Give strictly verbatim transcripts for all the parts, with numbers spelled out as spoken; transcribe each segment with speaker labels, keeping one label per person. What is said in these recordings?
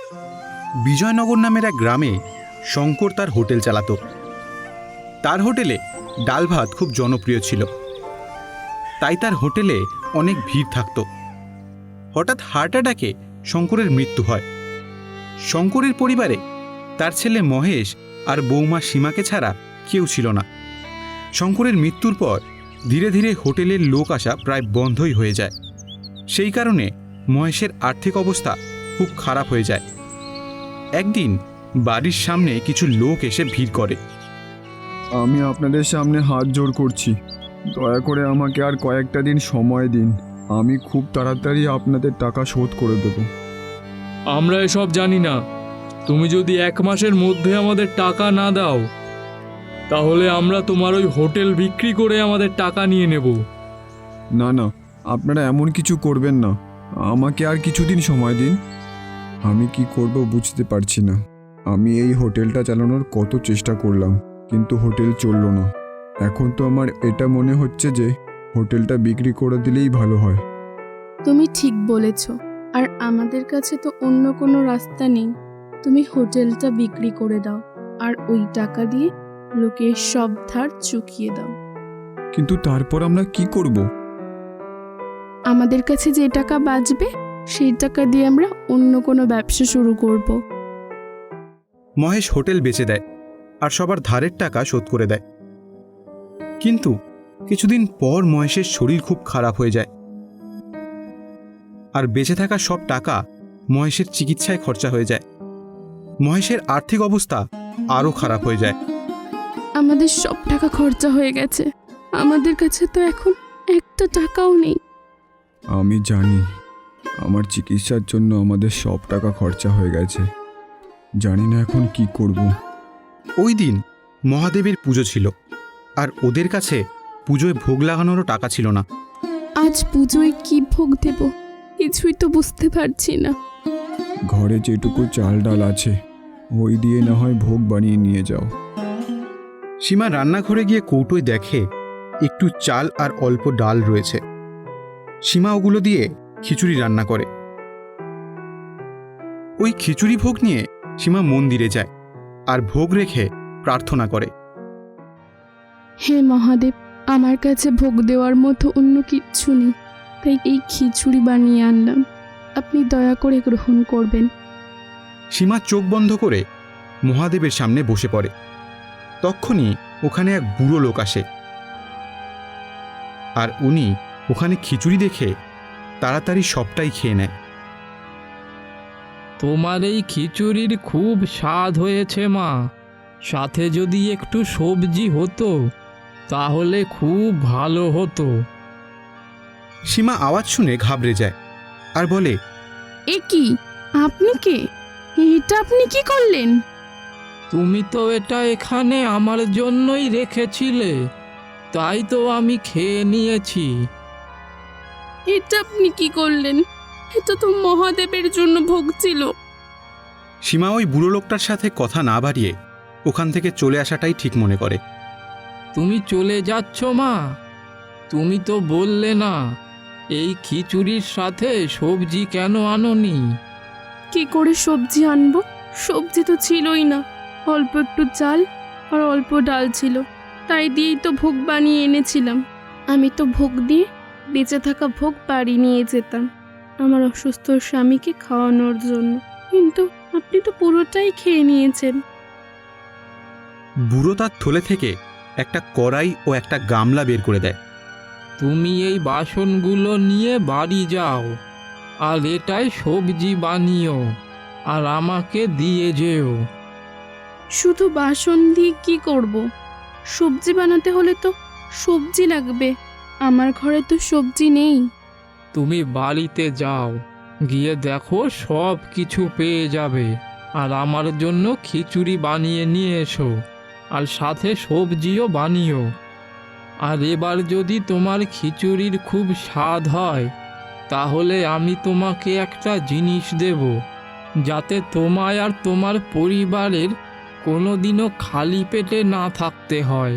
Speaker 1: বিজয়নগর নামের এক গ্রামে শঙ্কর তার হোটেল চালাতো। তার হোটেলে ডাল ভাত খুব জনপ্রিয় ছিল, তাই তার হোটেলে অনেক ভিড় থাকত। হঠাৎ হার্ট অ্যাটাকে শঙ্করের মৃত্যু হয়। শঙ্করের পরিবারে তার ছেলে মহেশ আর বৌমা সীমাকে ছাড়া কেউ ছিল না। শঙ্করের মৃত্যুর পর ধীরে ধীরে হোটেলের লোক আসা প্রায় বন্ধই হয়ে যায়। সেই কারণে মহেশের আর্থিক অবস্থা খুব খারাপ হয়ে যায়। একদিন বাড়ির সামনে কিছু লোক এসে ভিড় করে।
Speaker 2: আমি আপনাদের সামনে হাত জোড় করছি, দয়া করে আমাকে আর কয়েকটা দিন সময় দিন। আমি খুব তাড়াতাড়ি আপনাদের টাকা শোধ করে দেব।
Speaker 3: আমরা এসব জানি না। তুমি যদি এক মাসের মধ্যে আমাদের টাকা না দাও, তাহলে আমরা তোমার ওই হোটেল বিক্রি করে আমাদের টাকা নিয়ে নেব।
Speaker 2: না না, আপনারা এমন কিছু করবেন না। আমাকে আর কিছুদিন সময় দিন। আমি কি করব বুঝতে পারছি না। আমি এই হোটেলটা চালানোর কত চেষ্টা করলাম, কিন্তু হোটেল চলল না। এখন তো আমার এটা মনে হচ্ছে যে হোটেলটা বিক্রি করে দিলেই ভালো হয়।
Speaker 4: তুমি ঠিক বলেছ, আর আমাদের কাছে তো অন্য কোনো রাস্তা নেই। তুমি হোটেলটা বিক্রি করে দাও, আর ওই টাকা দিয়ে লোকের সব ধার চুকিয়ে দাও।
Speaker 2: কিন্তু তারপর আমরা কি করব?
Speaker 4: আমাদের কাছে যে টাকা বাঁচবে সেই টাকা দিয়ে আমরা অন্য কোনো ব্যবসা শুরু করব।
Speaker 1: মহেশ হোটেল বেচে দেয় আর সবার ধারের টাকা শোধ করে দেয়। কিন্তু কিছুদিন পর মহেশের শরীর খুব খারাপ হয়ে যায়, আর বেঁচে থাকা সব টাকা মহেশের চিকিৎসায় খরচা হয়ে যায়। মহেশের আর্থিক অবস্থা আরও খারাপ হয়ে যায়।
Speaker 4: আমাদের সব টাকা খরচা হয়ে গেছে, আমাদের কাছে তো এখন একটা টাকাও নেই।
Speaker 2: আমি জানি আমার চিকিৎসার জন্য আমাদের সব টাকা খরচা হয়ে গেছে। জানি না এখন কি করব।
Speaker 1: ওই দিন মহাদেবের পুজো ছিল, আর ওদের কাছে পুজোয় ভোগ লাগানোরও টাকা ছিল না।
Speaker 4: আজ পুজোয় কি ভোগ দেব কিছুই তো বুঝতে পারছি না।
Speaker 2: ঘরে যেটুকু চাল ডাল আছে ওই দিয়ে না হয় ভোগ বানিয়ে নিয়ে যাও।
Speaker 1: সীমা রান্নাঘরে গিয়ে কৌটোয় দেখে একটু চাল আর অল্প ডাল রয়েছে। সীমা ওগুলো দিয়ে খিচুড়ি রান্না করে। ওই খিচুড়ি ভোগ নিয়ে সীমা মন্দিরে যায় আর ভোগ রেখে প্রার্থনা করে।
Speaker 4: হে মহাদেব, আমার কাছে ভোগ দেওয়ার মতো অন্য কিচ্ছু নেই, তাই এই খিচুড়ি বানিয়ে আনলাম, আপনি দয়া করে গ্রহণ করবেন।
Speaker 1: সীমা চোখ বন্ধ করে মহাদেবের সামনে বসে পড়ে। তক্ষুনি ওখানে এক বুড়ো লোক আসে, আর উনি ওখানে খিচুড়ি দেখে তাড়াতাড়ি সবটাই খেয়ে নেয়।
Speaker 3: তোমার এই খিচুড়ির খুব স্বাদ হয়েছে মা, সাথে যদি একটু সবজি হতো তাহলে খুব ভালো হতো।
Speaker 1: সীমা আওয়াজ শুনে ঘাবড়ে যায় আর বলে,
Speaker 4: এ কি, আপনি কে? এটা আপনি কি করলেন?
Speaker 3: তুমি তো এটা এখানে আমার জন্যই রেখেছিলে, তাই তো আমি খেয়ে নিয়েছি।
Speaker 4: এটা আপনি কি করলেন? এটা তো মহাদেবের জন্য ভোগ ছিল।
Speaker 1: সীমা ওই বুড়ো লোকটার সাথে কথা না বাড়িয়ে ওখান থেকে চলে আসাটাই ঠিক মনে করে।
Speaker 3: তুমি চলে যাচ্ছ মা? তুমি তো বললে না এই খিচুড়ির সাথে সবজি কেন আনোনি?
Speaker 4: কি করে সবজি আনবো? সবজি তো ছিলই না, অল্প একটু চাল আর অল্প ডাল ছিল, তাই দিয়েই তো ভোগ বানিয়ে এনেছিলাম। আমি তো ভোগ দিয়ে বেঁচে থাকা ভোগ বাড়ি নিয়ে যেতাম আমার অসুস্থ স্বামীকে খাওয়ানোর জন্য, কিন্তু আপনি তো পুরোটাই খেয়ে নিয়েছেন।
Speaker 1: বুড়ো তার থলে থেকে একটা কড়াই ও একটা গামলা বের করে দেয়।
Speaker 3: তুমি এই বাসনগুলো নিয়ে বাড়ি যাও, আর এটাই সবজি বানিও, আর আমাকে দিয়ে যেও।
Speaker 4: শুধু বাসন দিয়ে কি করব? সবজি বানাতে হলে তো সবজি লাগবে, আমার ঘরে তো সবজি নেই।
Speaker 3: তুমি বাড়িতে যাও, গিয়ে দেখো সব কিছু পেয়ে যাবে, আর আমার জন্য খিচুড়ি বানিয়ে নিয়ে এসো, আর সাথে সবজিও বানিও। আর এবার যদি তোমার খিচুড়ির খুব স্বাদ হয় তাহলে আমি তোমাকে একটা জিনিস দেব, যাতে তোমায় আর তোমার পরিবারের কোনোদিনও খালি পেটে না থাকতে হয়।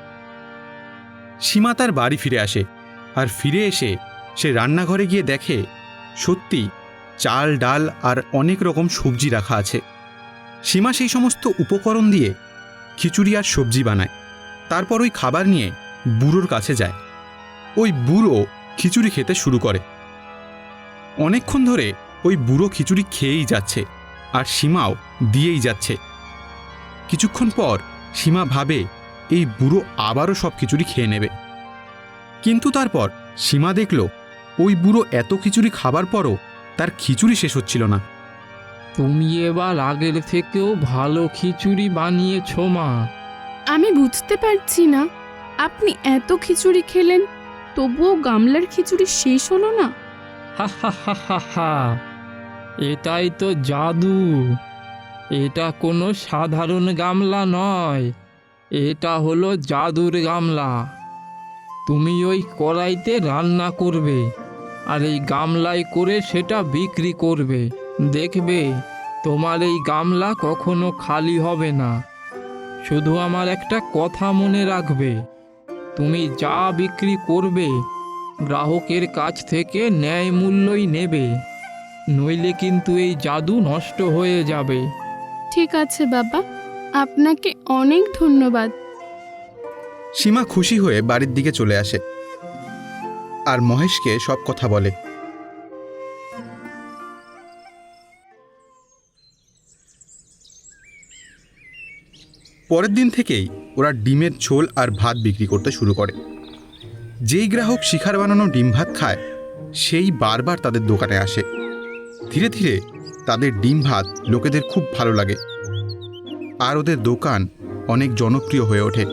Speaker 1: সীমা তার বাড়ি ফিরে আসে, আর ফিরে এসে সে রান্নাঘরে গিয়ে দেখে সত্যি চাল ডাল আর অনেক রকম সবজি রাখা আছে। সীমা সেই সমস্ত উপকরণ দিয়ে খিচুড়ি আর সবজি বানায়। তারপর ওই খাবার নিয়ে বুড়োর কাছে যায়। ওই বুড়ো খিচুড়ি খেতে শুরু করে। অনেকক্ষণ ধরে ওই বুড়ো খিচুড়ি খেয়েই যাচ্ছে আর সীমাও দিয়েই যাচ্ছে। কিছুক্ষণ পর সীমা ভাবে এই বুড়ো আবারও সব খিচুড়ি খেয়ে নেবে, কিন্তু তারপর সীমা দেখল ওই বুড়ো এত খিচুড়ি খাবার পরও তার খিচুড়ি শেষ হচ্ছিল না।
Speaker 3: তুমি এবার আগের থেকেও ভালো খিচুড়ি বানিয়েছো মা।
Speaker 4: আমি বুঝতে পারছি না, আপনি এত খিচুড়ি খেলেন তবুও গামলার খিচুড়ি শেষ হলো না।
Speaker 3: হা হা হা হা হা, এটাই তো জাদু। এটা কোনো সাধারণ গামলা নয়, এটা হলো জাদুর গামলা। তুমি ওই কড়াইতে রান্না করবে আর এই গামলায় করে সেটা বিক্রি করবে। দেখবে তোমার এই গামলা কখনো খালি হবে না। শুধু আমার একটা কথা মনে রাখবে, তুমি যা বিক্রি করবে গ্রাহকের কাছ থেকে ন্যায় মূল্যই নেবে, নইলে কিন্তু এই জাদু নষ্ট হয়ে যাবে।
Speaker 4: ঠিক আছে বাবা, আপনাকে অনেক ধন্যবাদ।
Speaker 1: সীমা খুশি হয়ে বাড়ির দিকে চলে আসে আর মহেশকে সব কথা বলে। পরের দিন থেকেই ওরা ডিমের ঝোল আর ভাত বিক্রি করতে শুরু করে। যেই গ্রাহক শিখার বানানো ডিম ভাত খায় সেই বারবার তাদের দোকানে আসে। ধীরে ধীরে তাদের ডিম ভাত লোকেদের খুব ভালো লাগে আর ওদের দোকান অনেক জনপ্রিয় হয়ে ওঠে।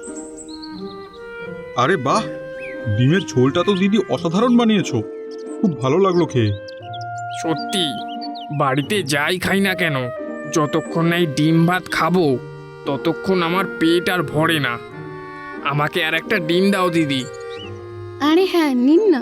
Speaker 5: আরে বাহ, ডিমের ঝোলটা তো দিদি অসাধারণ বানিয়েছো, খুব ভালো লাগলো খেয়ে।
Speaker 6: সত্যি, বাড়িতে যাই খাই না কেন, যতক্ষণ না এই ডিম ভাত খাবো ততক্ষণ আমার পেট আর ভরে না। আমাকে আর একটা ডিম দাও দিদি।
Speaker 4: আরে হ্যাঁ, নিন না।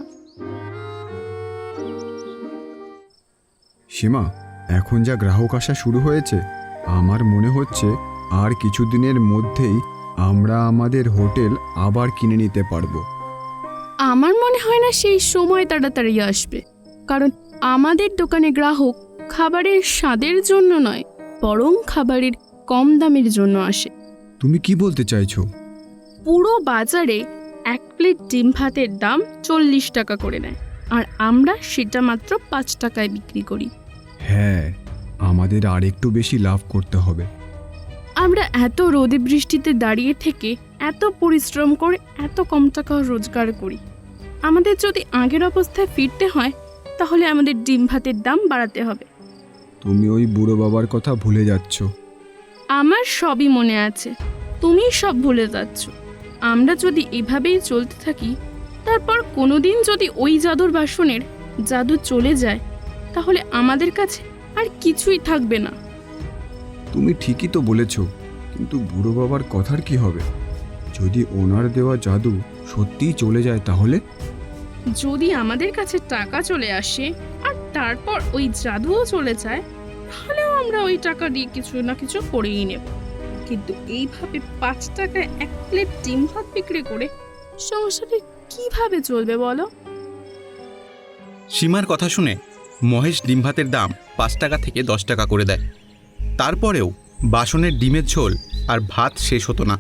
Speaker 2: সীমা, এখন যা গ্রাহক আসা শুরু হয়েছে, আমার মনে হচ্ছে আর কিছুদিনের মধ্যেই আমরা আমাদের হোটেল আবার কিনে নিতে পারবো।
Speaker 4: আমার মনে হয় না সেই সময় তাড়াতাড়ি আসবে, কারণ আমাদের দোকানে গ্রাহক খাবারের স্বাদের জন্য নয়, বরং খাবারের কম দামের জন্য আসে।
Speaker 2: তুমি কি বলতে চাইছো?
Speaker 4: পুরো বাজারে এক প্লেট ডিম ভাতের দাম চল্লিশ টাকা করে নেয়, আর আমরা সেটা মাত্র পাঁচ টাকায় বিক্রি করি।
Speaker 2: হ্যাঁ, আমাদের আর একটু বেশি লাভ করতে হবে।
Speaker 4: আমরা এত রোদে বৃষ্টিতে দাঁড়িয়ে থেকে এত পরিশ্রম করে এত কম টাকা রোজগার করি। আমাদের যদি আগের অবস্থায় ফিরতে হয় তাহলে আমাদের ডিম ভাতের দাম বাড়াতে হবে।
Speaker 2: তুমি ওই বুড়ো বাবার কথা ভুলে যাচ্ছ।
Speaker 4: আমার সবই মনে আছে, তুমি সব ভুলে যাচ্ছ। আমরা যদি এভাবেই চলতে থাকি, তারপর কোনোদিন যদি ওই জাদুর বাসনের জাদু চলে যায়, তাহলে আমাদের কাছে আর কিছুই থাকবে না।
Speaker 2: তুমি ঠিকই তো বলেছ, কিন্তু বুড়ো বাবার কথার কি হবে? যদি ওনার দেওয়া জাদু সত্যিই চলে যায় তাহলে?
Speaker 4: যদি আমাদের কাছে টাকা চলে আসে আর তারপর ওই জাদুও চলে যায়, তাহলেও আমরা ওই টাকা দিয়ে কিছু না কিছু করেই নেব। কিন্তু এইভাবে পাঁচ টাকায় এক প্লেট ডিম ভাত বিক্রি করে সংসারে কিভাবে চলবে বলো?
Speaker 1: সীমার কথা শুনে মহেশ ডিম ভাতের দাম পাঁচ টাকা থেকে দশ টাকা করে দেয়। তারপরেও বাসনের ডিমের ঝোল আর ভাত শেষ হতো না।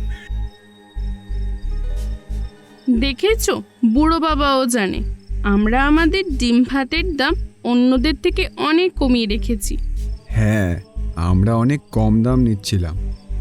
Speaker 4: দেখেছো, বুড়ো বাবাও জানে আমরা আমাদের ডিম ভাতের দাম অন্যদের থেকে অনেক কমিয়ে রেখেছি।
Speaker 2: হ্যাঁ, আমরা অনেক কম দাম নিচ্ছিলাম।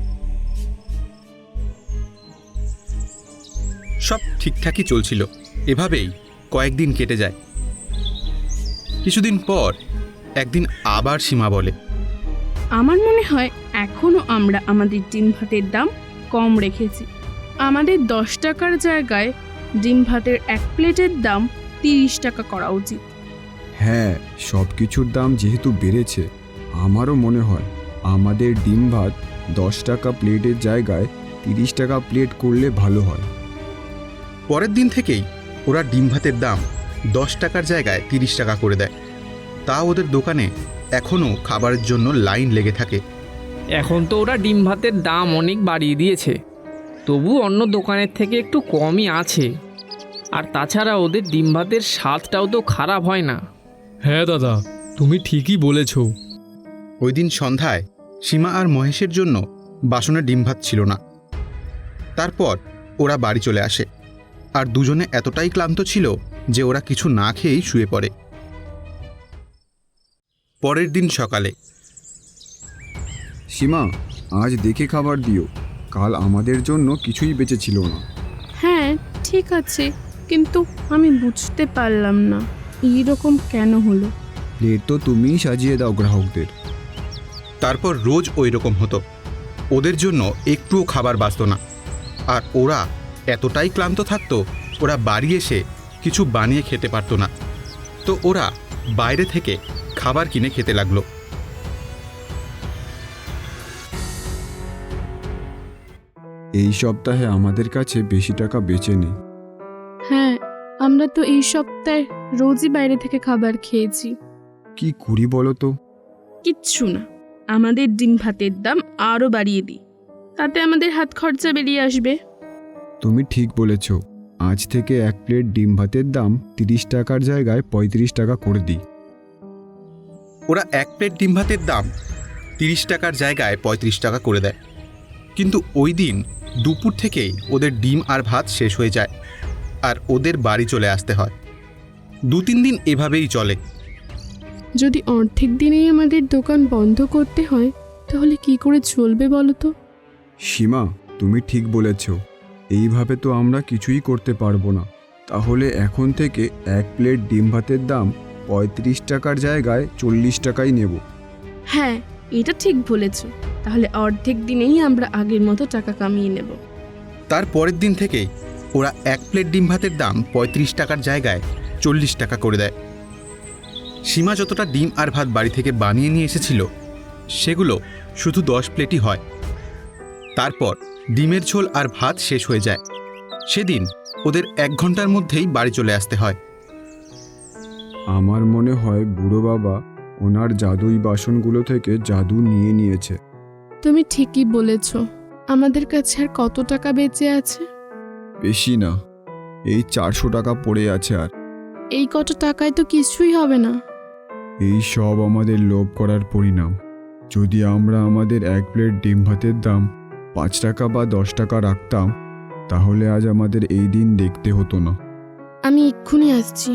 Speaker 1: সব ঠিকঠাকই চলছিল। এভাবেই কয়েকদিন কেটে যায়। কিছুদিন পর একদিন আবার সীমা বলে,
Speaker 4: আমার মনে হয় এখনো আমরা আমাদের ডিম ভাতের দাম কম রেখেছি। আমাদের দশ টাকার জায়গায় ডিম ভাতের এক প্লেটের দাম তিরিশ টাকা করা উচিত।
Speaker 2: হ্যাঁ, সব কিছুর দাম যেহেতু বেড়েছে, আমারও মনে হয় আমাদের ডিম ভাত দশ টাকা প্লেটের জায়গায় তিরিশ টাকা প্লেট করলে ভালো হয়।
Speaker 1: পরের দিন থেকেই ওরা ডিম ভাতের দাম দশ টাকার জায়গায় তিরিশ টাকা করে দেয়। তা ওদের দোকানে এখনও খাবারের জন্য লাইন লেগে থাকে।
Speaker 6: এখন তো ওরা ডিম ভাতের দাম অনেক বাড়িয়ে দিয়েছে, তবু অন্য দোকানের থেকে একটু কমই আছে। আর তাছাড়া ওদের ডিম ভাতের স্বাদটাও তো খারাপ হয় না।
Speaker 7: হ্যাঁ দাদা, তুমি ঠিকই বলেছ।
Speaker 1: ওই দিন সন্ধ্যায় সীমা আর মহেশের জন্য বাসনে ডিম ভাত ছিল না। তারপর ওরা বাড়ি চলে আসে, আর দুজনে এতটাই ক্লান্ত ছিল যে ওরা কিছু না খেয়েই শুয়ে পড়ে। পরের দিন সকালে
Speaker 2: সীমা, আজ দেখে খাবার দিও, কাল আমাদের জন্য কিছুই বেঁচে ছিল না।
Speaker 4: হ্যাঁ ঠিক আছে, কিন্তু আমি বুঝতে পারলাম না এইরকম কেন হলো।
Speaker 2: প্লেট তো তুমিই সাজিয়ে দাও গ্রাহকদের।
Speaker 1: তারপর রোজ ওই রকম হতো, ওদের জন্য একটুও খাবার বাঁচত না। আর ওরা এতটাই ক্লান্ত থাকতো, ওরা বাড়ি এসে কিছু বানিয়ে খেতে পারতো না। তো ওরা বাইরে থেকে খাবার কিনে খেতে লাগলো।
Speaker 2: এই সপ্তাহে আমাদের কাছে বেশি টাকা বেঁচে নেই।
Speaker 4: হ্যাঁ, আমরা তো এই সপ্তাহে রোজই বাইরে থেকে খাবার খেয়েছি।
Speaker 2: কি করি বলো তো?
Speaker 4: কিচ্ছু না, আমাদের ডিম ভাতের দাম আরও বাড়িয়ে দিই, তাতে আমাদের হাত খরচা বেরিয়ে আসবে।
Speaker 2: তুমি ঠিক বলেছ, আজ থেকে এক প্লেট ডিম ভাতের দাম তিরিশ টাকার জায়গায় পঁয়ত্রিশ টাকা করে দিই।
Speaker 1: ওরা এক প্লেট ডিম ভাতের দাম তিরিশ টাকার জায়গায় পঁয়ত্রিশ টাকা করে দেয়। কিন্তু ওই দিন দুপুর থেকেই ওদের ডিম আর ভাত শেষ হয়ে যায়, আর ওদের বাড়ি চলে আসতে হয়। দু তিন দিন এভাবেই চলে।
Speaker 4: যদি অর্ধেক দিনেই আমাদের দোকান বন্ধ করতে হয়, তাহলে কি করে চলবে বলো তো?
Speaker 2: সীমা, তুমি ঠিক বলেছ, এইভাবে তো আমরা কিছুই করতে পারবো না। তাহলে এখন থেকে এক প্লেট ডিম ভাতের দাম পঁয়ত্রিশ টাকার জায়গায় চল্লিশ টাকাই নেব।
Speaker 4: হ্যাঁ, এটা ঠিক বলেছ। তাহলে অর্ধেক দিনেই আমরা আগের মতো টাকা কামিয়ে নেব।
Speaker 1: তার পরের দিন থেকেই ওরা এক প্লেট ডিম ভাতের দাম পঁয়ত্রিশ টাকার জায়গায় চল্লিশ টাকা করে দেয়। সীমা যতটা ডিম আর ভাত বাড়ি থেকে বানিয়ে নিয়ে এসেছিল, সেগুলো শুধু দশ প্লেটই হয়। তারপর ডিমের ঝোল আর ভাত শেষ হয়ে যায়। সেদিন ওদের এক ঘন্টার মধ্যেই বাড়ি চলে আসতে হয়।
Speaker 2: আমার মনে হয় বুড়ো বাবা ওনার জাদুই বাসনগুলো থেকে জাদু নিয়ে নিয়েছে।
Speaker 4: তুমি ঠিকই বলেছ। আমাদের কাছে আর কত টাকা বেঁচে আছে?
Speaker 2: বেশি না, এই চারশো টাকা পড়ে আছে। আর
Speaker 4: এই কত টাকায় তো কিছুই হবে না।
Speaker 2: এই সব আমাদের লোভ করার পরিণাম। যদি আমরা আমাদের এক প্লেট ডিম ভাতের দাম পাঁচ টাকা বা দশ টাকা রাখতাম, তাহলে আজ আমাদের এই দিন দেখতে হতো না।
Speaker 4: আমি এক্ষুনি আসছি।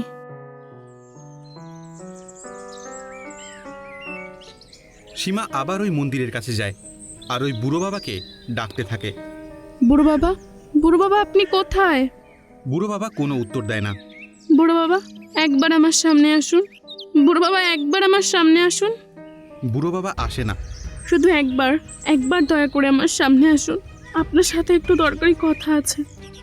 Speaker 1: সীমা আবার ওই মন্দিরের কাছে যায়, আর ওই বুড়ো বাবাকে ডাকতে থাকে।
Speaker 4: বুড়ো বাবা, বুড়ো বাবা, আপনি কোথায়?
Speaker 1: বুড়ো বাবা কোনো উত্তর দেয় না।
Speaker 4: বুড়ো বাবা, একবার আমার সামনে আসুন। বুড়ো বাবা, একবার আমার সামনে আসুন।
Speaker 1: বুড়ো বাবা আসে না।
Speaker 4: শুধু একবার, একবার দয়া করে আমার সামনে আসুন। আপনার সাথে একটু দরকারি কথা আছে।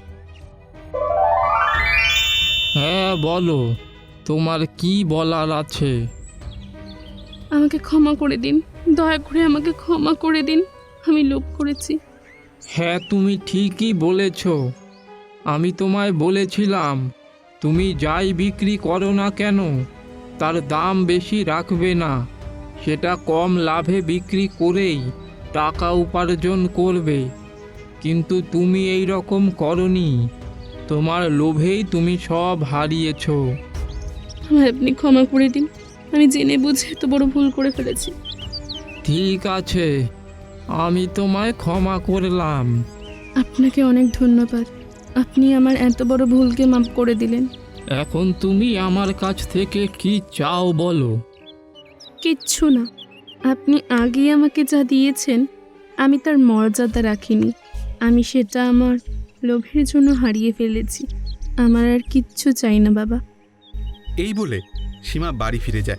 Speaker 3: হ্যাঁ বলো, তোমার কি বলার আছে?
Speaker 4: আমাকে ক্ষমা করে দিন, দয়া করে আমাকে ক্ষমা করে দিন। আমি লোভ করেছি।
Speaker 3: হ্যাঁ তুমি ঠিকই বলেছ। আমি তোমায় বলেছিলাম, তুমি যাই বিক্রি করো না কেন, তার দাম বেশি রাখবে না। সেটা কম লাভে বিক্রি করেই টাকা উপার্জন করবে। কিন্তু তুমি এই রকম করনি। তোমার লোভেই তুমি সব হারিয়েছ।
Speaker 4: আমার আপনি ক্ষমা করে দিন। আমি জেনে বুঝে এত বড় ভুল করে ফেলেছি।
Speaker 3: ঠিক আছে, আমি তোমায় ক্ষমা করলাম।
Speaker 4: আপনাকে অনেক ধন্যবাদ। আপনি আমার এত বড় ভুলকে মাফ করে দিলেন।
Speaker 3: এখন তুমি আমার কাছ থেকে কি চাও বলো?
Speaker 4: কিচ্ছু না। আপনি আগে আমাকে যা দিয়েছেন, আমি তার মর্যাদা রাখিনি। আমি সেটা আমার লোভের জন্য হারিয়ে ফেলেছি। আমার আর কিচ্ছু চাই না বাবা।
Speaker 1: এই বলে সীমা বাড়ি ফিরে যায়।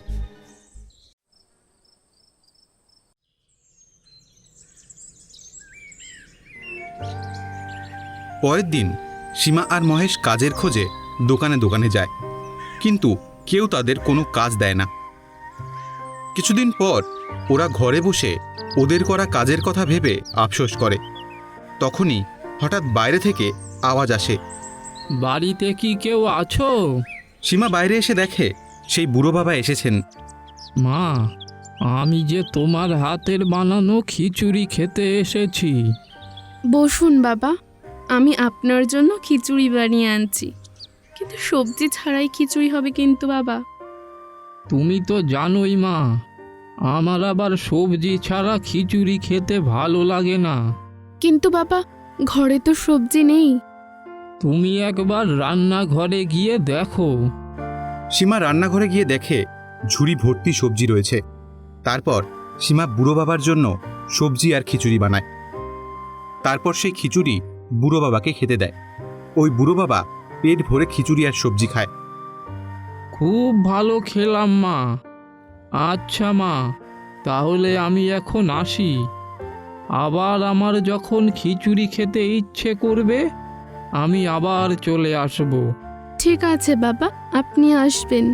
Speaker 1: পরের দিন সীমা আর মহেশ কাজের খোঁজে দোকানে দোকানে যায়, কিন্তু কেউ তাদের কোনো কাজ দেয় না। কিছুদিন পর ওরা ঘরে বসে ওদের করা কাজের কথা ভেবে আফসোস করে। তখনই হঠাৎ বাইরে থেকে আওয়াজ আসে।
Speaker 3: বাড়িতে কি কেউ আছো?
Speaker 1: সীমা বাইরে এসে দেখে সেই বুড়ো বাবা এসেছেন।
Speaker 3: মা, আমি যে তোমার হাতের বানানো খিচুড়ি খেতে এসেছি।
Speaker 4: বসুন বাবা, আমি আপনার জন্য খিচুড়ি বানিয়ে আনছি। কিন্তু সবজি ছাড়াই খিচুড়ি হবে কিন্তু বাবা।
Speaker 3: তুমি তো জানোই মা, আমার আবার সবজি ছাড়া খিচুড়ি খেতে ভালো লাগে না।
Speaker 4: কিন্তু বাবা, ঘরে তো সবজি নেই।
Speaker 3: তুমি একবার রান্নাঘরে গিয়ে দেখো।
Speaker 1: সীমা রান্নাঘরে গিয়ে দেখে ঝুড়ি ভর্তি সবজি রয়েছে। তারপর সীমা বুড়ো বাবার জন্য সবজি আর খিচুড়ি বানায়। তারপর সেই খিচুড়ি বুড়ো বাবাকে খেতে দেয়। ওই বুড়ো বাবা পেট ভরে খিচুড়ি আর সবজি খায়।
Speaker 3: খুব ভালো খেলাম মা। আচ্ছা মা, তাহলে আমি এখন আসি। আবার আমার যখন খিচুড়ি খেতে ইচ্ছে করবে আমি আবার চলে আসব।
Speaker 4: ঠিক আছে বাবা, আপনি আসবেন।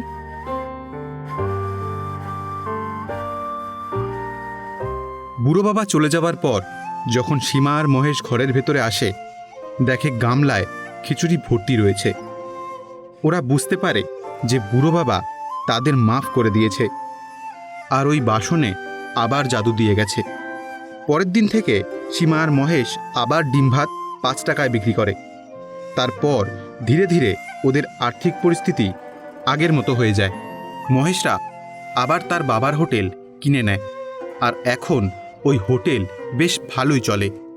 Speaker 1: বুড়ো বাবা চলে যাবার পর যখন সীমা আর মহেশ ঘরের ভেতরে আসে, দেখে গামলায় খিচুড়ি ভর্তি রয়েছে। ওরা বুঝতে পারে যে বুড়ো বাবা তাদের মাফ করে দিয়েছে আর ওই বাসনে আবার জাদু দিয়ে গেছে। পরের দিন থেকে সীমা আর মহেশ আবার ডিম ভাত পাঁচ টাকায় বিক্রি করে। তারপর ধীরে ধীরে ওদের আর্থিক পরিস্থিতি আগের মতো হয়ে যায়। মহেশরা আবার তার বাবার হোটেল কিনে নেয় আর এখন ওই হোটেল বেশ ভালোই চলে।